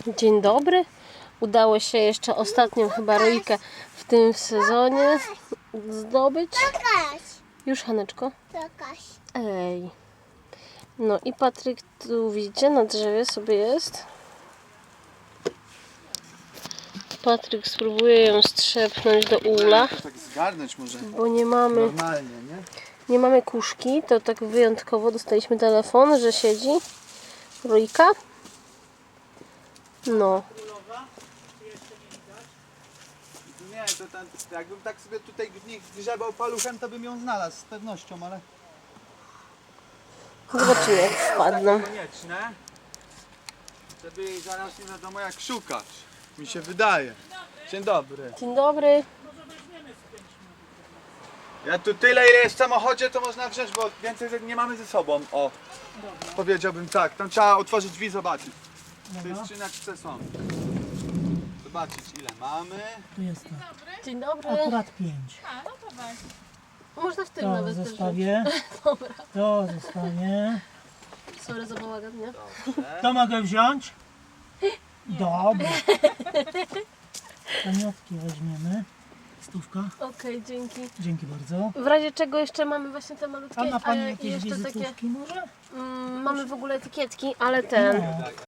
Dzień dobry. Udało się jeszcze ostatnią chyba rojkę w tym sezonie zdobyć. Już, Haneczko? Ej. No i Patryk tu widzicie, na drzewie sobie jest. Patryk spróbuje ją strzepnąć do ula. Tak zgarnąć może. Bo nie mamy, Normalnie, nie? nie mamy kuszki. To tak wyjątkowo dostaliśmy telefon, że siedzi rojka. No. Nie, to ten, jakbym tak sobie tutaj w nich grzebał paluchem, to bym ją znalazł z pewnością, ale... Zobaczymy, jak wpadną. Konieczne, żeby jej zaraz nie wiadomo jak szukać. Mi się wydaje. Dzień dobry. Dzień dobry. Ja tu tyle ile jest w samochodzie, to można wziąć, bo więcej nie mamy ze sobą. O, powiedziałbym tak. Tam trzeba otworzyć drzwi i zobaczyć. W tej skrzyneczce są. Zobaczyć ile mamy. Tu jest to. Dzień dobry. Akurat 5. Można w tym To nawet też zostawię. Dobra. To zostawię. Sorry za bałagan, nie? To mogę wziąć? Dobra. Pamiątki weźmiemy. Stówka. Okej, dzięki. Dzięki bardzo. W razie czego jeszcze mamy właśnie te malutkie, A ma Pani i jakieś jeszcze takie, wizytówki może? mamy w ogóle etykietki, ale ten, No.